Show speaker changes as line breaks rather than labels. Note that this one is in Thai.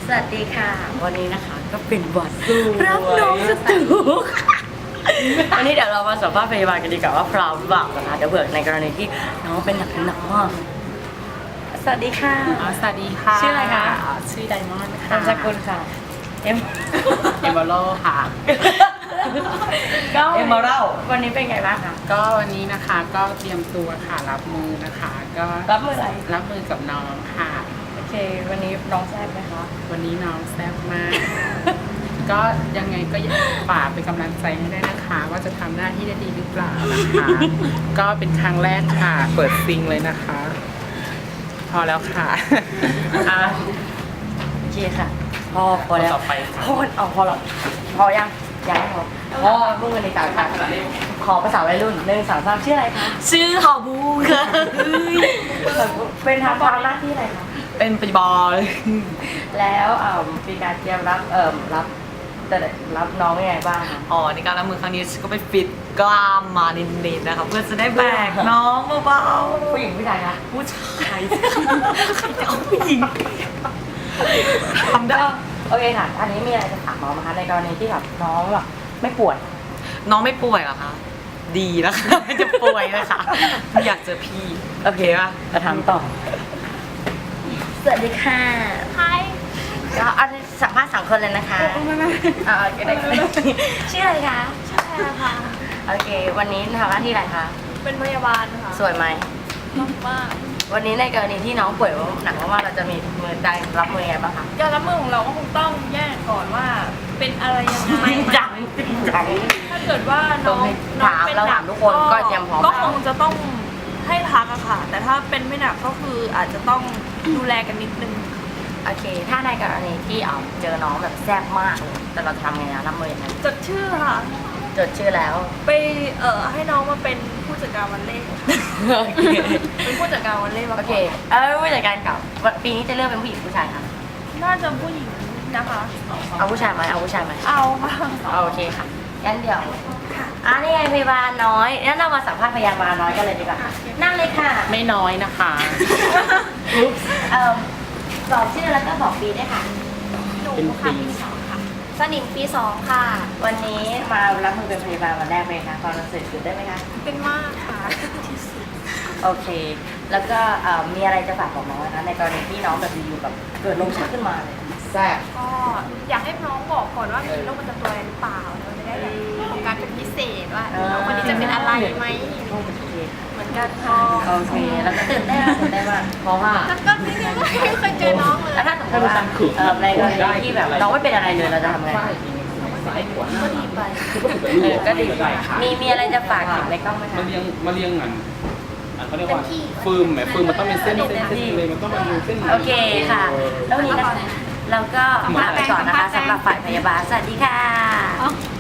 สวัสดีค่ะวันนี้นะคะก็เป็นวันรับน้องสตูวันนี้เดี๋ยวเรามาสัมภาษณ์พยาบาลกันดีกว่าว่าพร้อมหรือเปล่านะคะเดี๋ยวเผื่อในกรณีที่น้องเป็นหนักสวัสดีค่ะ
สวัสดีค่ะ
ชื่ออะไรคะ
ชื่อไดมอนด์ค่ะ
นามสกุลค่ะเอ็ม
เอมเบโลค่ะ
ก็
เอ็มเบอรัล
วันนี้เป็นไงบ้างคะ
ก็วันนี้นะคะก็เตรียมตัวค่ะรับมือนะคะ ก็
รับมืออะไร
รับมือกับน้องค่ะ
โอเค วันนี้น้องแซ่บไหมคะ
วันนี้น้องแซ่บมาก ก็ยังไงก็ฝากเป็นกำลังใจให้ได้นะคะ ว่าจะทำหน้าที่ได้ดีหรือเปล่านะคะ ก็เป็นครั้งแรกค่ะ เปิดซิงเลยนะคะ พอแล้วค่ะ
โอเคค่ะพอแล้ว
ต่อไปค่ะ
พอแล้วพอยังไม่พอพูดกันในต่างกันขอภาษาวัยรุ่น1 2 3ชื่ออะไรคะ
ชื่อหอบูค่ะ
เป็นทำหน้าที่อะไรคะ
เป็นปฏิบอล
แล้วมีการเตรียมรับน้องยังไงบ้างคะ
อ๋อในการรับมือครั้งนี้ฉันก็ไปฟิตกล้ามมานิดๆนะคะเพื่อจะได้แบกน้องเบา
ผู้หญิงผู้ชายคะ
ๆผู้ชายใครจะเอาผู้หญิงทำได้
โอเคค่ะอันนี้มีอะไรจะถามน้องไหมคะในกรณีที่แบบน้องแบบไม่ป่วย
น้องไม่ป่วยเหรอคะดีนะคะไม่จะป่วยเลยค่ะไม่อยากเจอพี่โอเคป่ะ
จะถามต่อสวัสดีค่ะ
Hi
ก็อันนี้สัมภาษณ์2 คนเลยนะคะก็ได้ชื่ออะไรคะ
ชื่อแพรค่ะ
โอเค วันนี้ทำหน้าที่อะไรคะ
เป็นพยาบาลค่ะ
สวยไหม
มากมาก
วันนี้ในกรณีที่น้องป่วยหนักมากๆเราจะมีมือใจรับมือยังไงบ้างคะ
การรับมือของเราก็คงต้องแยกก่อนว่าเป็นอะไรยังไง
จัง
ถ้าเกิดว่าน้อง
ถามเราถามทุกคนก็เตรียมพร้อม
ก็คงจะต้องให้พักอะค่ะ แต่ถ้าเป็นไม่หนักก็คืออาจจะต้องดูแลกันนิดนึง
โอเค ถ้าในกรณีที่เจอน้องแบบแซ่บมากเลยแต่เราจะทำไงนะรับมือยังไง
จดชื่อค่ะ
จดชื่อแล้ว
ไปให้น้องมาเป็นผู้จัดการวันเล่ค่ะ
โอเค
เป็นผู้จัดการวันเล่มา
โอ
ก่
เค
อน
ผู้จัดการเก่าปีนี้จะเลือกเป็นผู้หญิงผู้ชายคะ
น่าจะผู้หญิงนะคะ
เอาผู้ชายไหมเอาผู้ชายไหม
เอาค่ะ
โอเคค่ะงั้นเดี๋ยวนี่ไงพยาบาลน้อยงั้นเรามาสัมภาษณ์พยาบาลน้อยกันเลยดีกว่านั่งเลยค่ะ
ไม่น้อยนะคะ
บอกชื่อแล้วก็บอกปีด้วยค่ะ
หนู
เป็น
ค่ะ
ปี
ปี 2 ค่ะ สนิมปี 2 ค่ะ
วันนี้มารับมือเป็นพยาบาลวันแรกเลยค่ะความรู้สึกตื่นได้นไหมคะ
เป็นมากค่ะที่สุด
โอเค แล้วก็มีอะไรจะฝากบอกน้องนะคะในกรณีที่น้องแบบอยู่ๆแบบเกิดลมชักขึ้นมาเลย
แซ่บ
ก็อยากให้น้องบอกก่อนว่ามีโรคประจำตัวอะไรหรือเปล่าเราจะได้แบบโฟกัสเป็นพิเศษว่าน้องคนนี้จะเป็นอะไรไหม
โอเค
เหมือนกันค่ะ
โอเค แล้วก็ตื่นได้มากเพราะว่า
แล้วก็นี่ก็ไม่เคยเจอน้องเลย
ถ้าสมมติว่าในกรณีที่แบบน้องไม่เป็นอะไรเลยเราจะทำไง
ก็ดีไป
ก็ดีมีอะไรจะฝากถึงในกล้องไหมคะ
มาเรียงเขาเรียกว่าฟืมแหมฟืมมันต้องเป็นเส้นเลยมันต้องเป็นเส้น
โอเคค่ะ แล้ววันนี้นะคะเราก็ลาไปก่อนนะคะสำหรับฝ่ายพยาบาล สวัสดีค่ะ